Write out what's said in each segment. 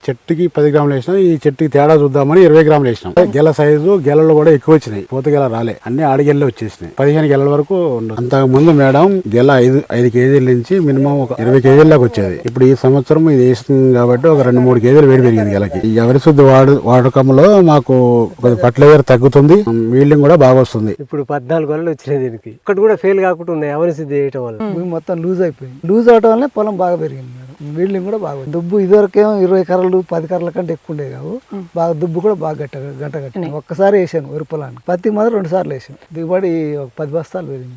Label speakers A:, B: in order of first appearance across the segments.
A: చెట్టుకి 10 గ్రాములు వేసినాం. ఈ చెట్టుకి తేడా చూద్దామని 20 గ్రాములు వేసినాం. గెల సైజు గెలలు కూడా ఎక్కువ వచ్చినాయి. పూత గెల రాలే, అన్ని ఆడిగెల్లే వచ్చేసినాయి. 15 గెలల వరకు ఉండదు. అంతకు ముందు మేడం గెల 5 కేజీల నుంచి మినిమం ఒక 20 కేజీల దాకా వచ్చేది. ఇప్పుడు ఈ సంవత్సరం ఇది వేస్తుంది కాబట్టి ఒక 2-3 కేజీలు వేడి పెరిగింది గెలకి. ఈ ఎవరి శుద్ధి వాడకంలో మాకు ఫర్టిలైజర్ తగ్గుతుంది, మీల్డింగ్ కూడా బాగా వస్తుంది.
B: ఇప్పుడు 14 గొర్రెలు వచ్చినాయి. దీనికి ఒక్కటి కూడా ఫెయిల్ కాకుండా ఉన్నాయి ఎవరి శుద్ధి చేయటం వల్ల.
C: మొత్తం లూజ్ అయిపోయింది. లూజ్ అవటం వల్ల పొలం బాగా పెరిగింది మేడం. వీల్డింగ్ కూడా బాగా దుబ్బు ఇదివరకేమో 20 కర్రలు 10 కర్రల కంటే ఎక్కువ ఉండేవి కావు. బాగా దుబ్బు కూడా బాగా గంట కట్టింది. ఒక్కసారి వేసాను వరి పొలానికి. పత్తి మాత్రం 2 సార్లు వేసాను. దిగుబడి ఒక 10 బస్తాలు పెరిగింది.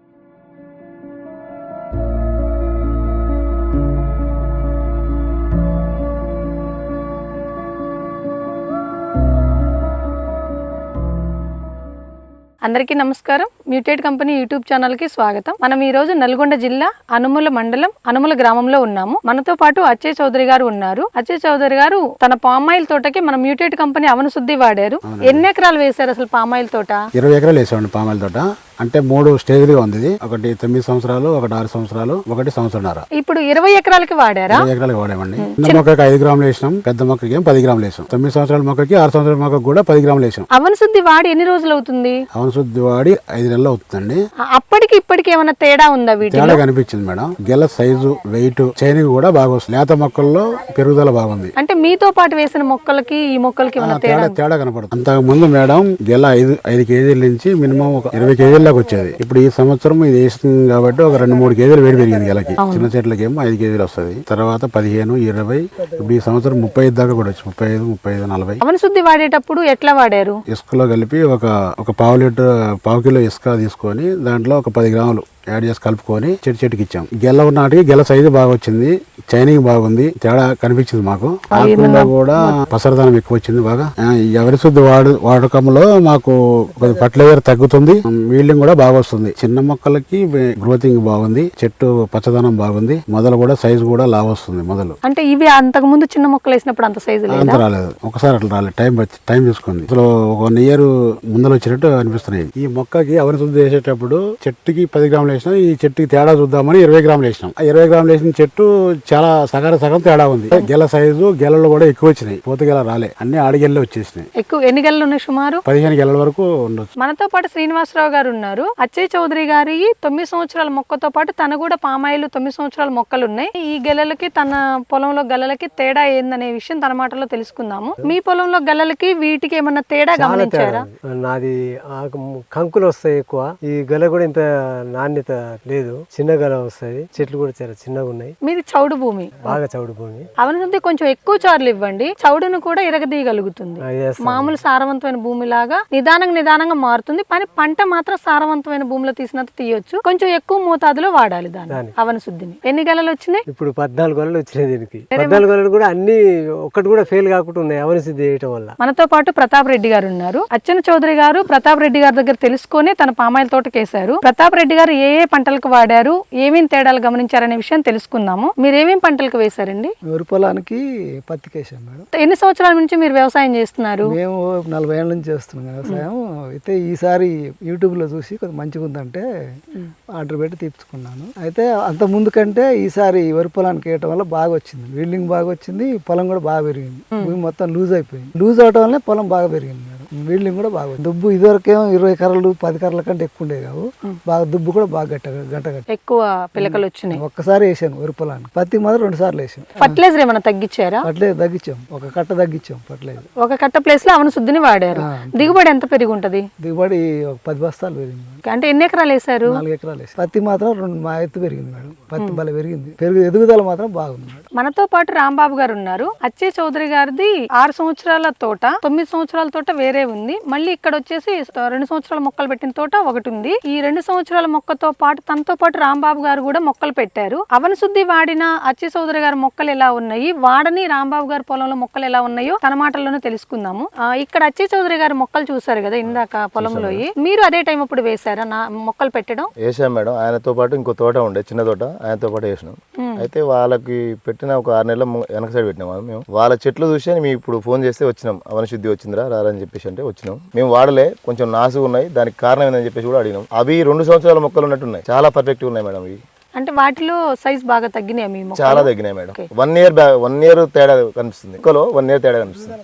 D: అందరికీ నమస్కారం. మ్యూటేట్ కంపెనీ యూట్యూబ్ ఛానల్ కి స్వాగతం. మనం ఈ రోజు నల్గొండ జిల్లా అనుముల మండలం అనుముల గ్రామంలో ఉన్నాము. మనతో పాటు అచ్చయ్ చౌదరి గారు ఉన్నారు. అచ్చయ్ చౌదరి గారు తన పామాయిల్ తోటకి మన మ్యూటేట్ కంపెనీ అవన శుద్ధి వాడారు. ఎన్ని ఎకరాలు వేశారు అసలు పామాయిల్ తోట?
A: 20 ఎకరాలు వేసామండి పామాయిల్ తోట. అంటే 3 స్టేజ్లుగా ఉంది. ఒకటి 9 సంవత్సరాలు, ఒకటి 6 సంవత్సరాలు, ఒకటి సంవత్సరాల.
D: ఇప్పుడు 20 ఎకరాలకి వాడారా?
A: 20 ఎకరాలకు వాడామండి. చిన్న మొక్కకి 5 గ్రాములు వేసినాం, పెద్ద మొక్కకి 10 గ్రాములు వేసాం. 9 సంవత్సరాల మొక్కకి 6 సంవత్సరాల మొక్కకి కూడా 10 గ్రాములు వేసాం.
D: అవన శుద్ధి వాడి ఎన్ని రోజులు అవుతుంది?
A: అవన శుద్ధి వాడి 5 నెలలు అవుతుందండి.
D: అప్పటికి ఇప్పటికి ఏమైనా తేడా ఉందా? వీటిలో
A: తేడా కనిపించింది మేడం. గెల సైజు, వెయిట్, చైనింగ్ కూడా బాగా వస్తుంది. లేత మొక్కల్లో పెరుగుదల బాగుంది.
D: అంటే మీతో పాటు వేసిన మొక్కలకి ఈ మొక్కలకి ఏమైనా
A: తేడా కనపడుతుంది. అంతకు ముందు మేడం గెల 5 కేజీల నుంచి మినిమం ఒక 20 కేజీల దాకా వచ్చేది. ఇప్పుడు ఈ సంవత్సరం ఇది వేస్తుంది కాబట్టి ఒక 2-3 కేజీలు వేడి పెరిగింది గెలకి. చిన్న చెట్లకి ఏమో 5 కేజీలు వస్తుంది. తర్వాత 15, 20, ఇప్పుడు ఈ సంవత్సరం 35 దాకా కూడా వచ్చి 35, 40.
D: అవన శుద్ధి వాడేటప్పుడు ఎట్లా వాడారు?
A: ఇసుకలో కలిపి ఒక పావు కిలో ఇసుక తీసుకొని దాంట్లో ఒక 10 గ్రాములు యాడ్ చేసి కలుపుకొని చెట్టుకి ఇచ్చాం. గెల నాటికి గెల సైజు బాగా వచ్చింది, చైనింగ్ బాగుంది, తేడా కనిపించింది మాకు. ఆకుల్లో కూడా పసరదనం ఎక్కువ వచ్చింది బాగా. ఎవరి శుద్ధి వాడకంలో మాకు ఫర్టిలైజర్ తగ్గుతుంది, మీల్డింగ్ కూడా బాగా వస్తుంది. చిన్న మొక్కలకి గ్రోతింగ్ బాగుంది, చెట్టు పచ్చదనం బాగుంది, మొదలు కూడా సైజు కూడా లావు వస్తుంది మొదలు.
D: అంటే ఇవి అంతకు ముందు చిన్న మొక్కలు వేసినప్పుడు అంత సైజు
A: అంత రాలేదు, ఒకసారి అట్లా రాలేదు. టైం తీసుకుంది. అసలు 1 ఇయర్ ముందర వచ్చినట్టు అనిపిస్తున్నాయి. ఈ మొక్కకి ఎవరి శుద్ధి చేసేటప్పుడు చెట్టుకి 10 గ్రాములు వేసినాం. ఈ చెట్టుకి తేడా చూద్దామని 20 గ్రాములు వేసినాం. 20 గ్రాములు వేసిన చెట్టు చాలా సగం తేడా ఉంది. గెల సైజు గెలలు కూడా ఎక్కువ వచ్చినాయి. పూత గెల రాలే, అన్ని ఆడిగెల్లే వచ్చేసినాయి.
D: ఎన్ని గెలలు ఉన్నాయి? సుమారు
A: 15 గెలల వరకు ఉండొచ్చు.
D: మనతో పాటు శ్రీనివాసరావు గారు ఉన్నారు. అచ్చయ్ చౌదరి గారి 9 సంవత్సరాల మొక్కతో పాటు తన కూడా పామాయిల్ 9 సంవత్సరాల మొక్కలు ఉన్నాయి. ఈ గెలలకి తన పొలంలో గెలలకి తేడా ఏందనే విషయం తన మాటలో తెలుసుకుందాము. మీ పొలంలో గెలలకి వీటికి ఏమన్నా తేడా గమనించారా?
B: నాది కంకులు వస్తాయి ఎక్కువ. ఈ గెల కూడా ఇంత నాణ్యత లేదు, చిన్న గెల వస్తాయి. చెట్లు కూడా చాలా చిన్నగా ఉన్నాయి.
D: మీది చౌడు భూమి,
B: బాగా చౌడు భూమి.
D: అవనంటే కొంచెం ఎక్కువ చార్లు ఇవ్వండి, చౌడును కూడా ఇరగదీయగలుగుతుంది. మామూలు సారవంతమైన భూమి లాగా నిదానంగా మారుతుంది. కానీ పంట మాత్రం సారవంతమైన భూమిలో తీసినంత తీయొచ్చు. కొంచెం ఎక్కువ మోతాదులో వాడాలి దాన్ని అవన శుద్ధిని. ఎన్ని గెలలు వచ్చినాయి?
B: ఇప్పుడు 14 గొర్రెలు వచ్చినాయి. దీనికి 14 గొర్రెలు కూడా అన్ని ఒక్కటి కూడా ఫెయిల్ కాకుండా ఉన్నాయి అవన శుద్ధి చేయటం వల్ల.
D: మనతో పాటు ప్రతాప్ రెడ్డి గారు ఉన్నారు. అచ్చన చౌదరి గారు ప్రతాప్ రెడ్డి గారి దగ్గర తెలుసుకొని తన పామాయిల్ తోటకేశారు. ప్రతాప్ రెడ్డి గారు ఏ పంటలకు వాడారు, ఏమేమి తేడాలు గమనించారనే విషయం తెలుసుకుందాము. మీరు ఏమేమి పంటలకు వేశారండి?
C: వరి పొలానికి పత్తికి వేసాం మేడం.
D: ఎన్ని సంవత్సరాల నుంచి మీరు వ్యవసాయం చేస్తున్నారు?
C: మేము 40 ఏళ్ళ నుంచి చేస్తున్నాం వ్యవసాయం. అయితే ఈసారి యూట్యూబ్ లో చూసి కొంచెం మంచిగా ఉందంటే ఆర్డర్ పెట్టి తీర్చుకున్నాను. అయితే అంత ముందు కంటే ఈసారి వరి పొలానికి వేయటం వల్ల బాగా వచ్చింది. వీల్డింగ్ బాగా వచ్చింది, పొలం కూడా బాగా పెరిగింది. భూమి మొత్తం లూజ్ అయిపోయింది. లూజ్ అవటం వల్ల పొలం బాగా పెరిగింది మేడం. వీల్డింగ్ కూడా బాగా దుబ్బు ఇదివరకేమో 20 కర్రలు 10 కర్రల కంటే ఎక్కువ ఉండేవి కావు. బాగా దుబ్బు కూడా బాగా గంట కట్టి
D: ఎక్కువ పిలకలు వచ్చినాయి.
C: ఒక్కసారి వేసాను వరి పొలానికి. పత్తి మాత్రం 2 సార్లు వేసాను.
D: ఫర్టిలైజర్ ఏమైనా తగ్గించారా?
C: ఫర్టిలైజర్ తగ్గించాం, ఒక కట్ట తగ్గించాం ఫర్టిలైజర్.
D: ఒక కట్ట ప్లేస్ లో అవన శుద్ధిని వాడారు. దిగుబడి ఎంత పెరిగి ఉంటది?
C: దిగుబడి ఒక 10 బస్తాలు పెరిగింది.
D: అంటే ఎన్ని ఎకరాలు వేసారు?
C: 4 ఎకరాలు వేసారు. పత్తి మాత్రం 2 ఎత్తు పెరిగింది మేడం. పత్తి బల పెరిగింది, ఎదుగుదల మాత్రం బాగుంది మేడం.
D: మనతో పాటు రాంబాబు గారు ఉన్నారు. అచ్చయ్ చౌదరి గారిది 6 సంవత్సరాల తోట, 9 సంవత్సరాల తోట వేరే ఉంది. మళ్ళీ ఇక్కడ వచ్చేసి 2 సంవత్సరాల మొక్కలు పెట్టిన తోట ఒకటి ఉంది. ఈ 2 సంవత్సరాల మొక్కతో పాటు తనతో పాటు రాంబాబు గారు కూడా మొక్కలు పెట్టారు. అవన శుద్ధి వాడిన అచ్చయ్ చౌదరి గారి మొక్కలు ఎలా ఉన్నాయి, వాడని రాంబాబు గారి పొలంలో మొక్కలు ఎలా ఉన్నాయో తన మాటల్లోనే తెలుసుకుందాము. ఇక్కడ అచ్చయ్ చౌదరి గారి మొక్కలు చూసారు కదా ఇందాక పొలంలో, మీరు అదే టైం అప్పుడు వేసారా మొక్కలు పెట్టడం?
E: వేసాం మేడం. ఆయనతో పాటు ఇంకో తోట ఉండే చిన్న తోట, ఆయనతో పాటు వేసినాం. అయితే వాళ్ళకి పెట్టిన ఒక 6 నెలల వెనక సైడ్ పెట్టినాం. మేము వాళ్ళ చెట్లు చూసి మేము ఇప్పుడు ఫోన్ చేస్తే వచ్చినాం, అవన శుద్ధి వచ్చిందిరా రారని చెప్పేసి అంటే వచ్చినాం. మేము వాడలే, కొంచెం నాసుగా ఉన్నాయి, దానికి కారణం ఏందని చెప్పేసి కూడా అడిగినాం. అవి 2 సంవత్సరాల మొక్కలు ఉన్నట్టున్నాయి, చాలా పర్ఫెక్ట్ ఉన్నాయి మేడం. ఇవి
D: అంటే వాటిలో సైజ్ బాగా తగ్గినాయి మీ మొక్కలు?
E: చాలా తగ్గినాయి మేడం. 1 ఇయర్ తేడా కనిపిస్తుంది. మొక్కలో 1 ఇయర్ తేడా కనిపిస్తుంది.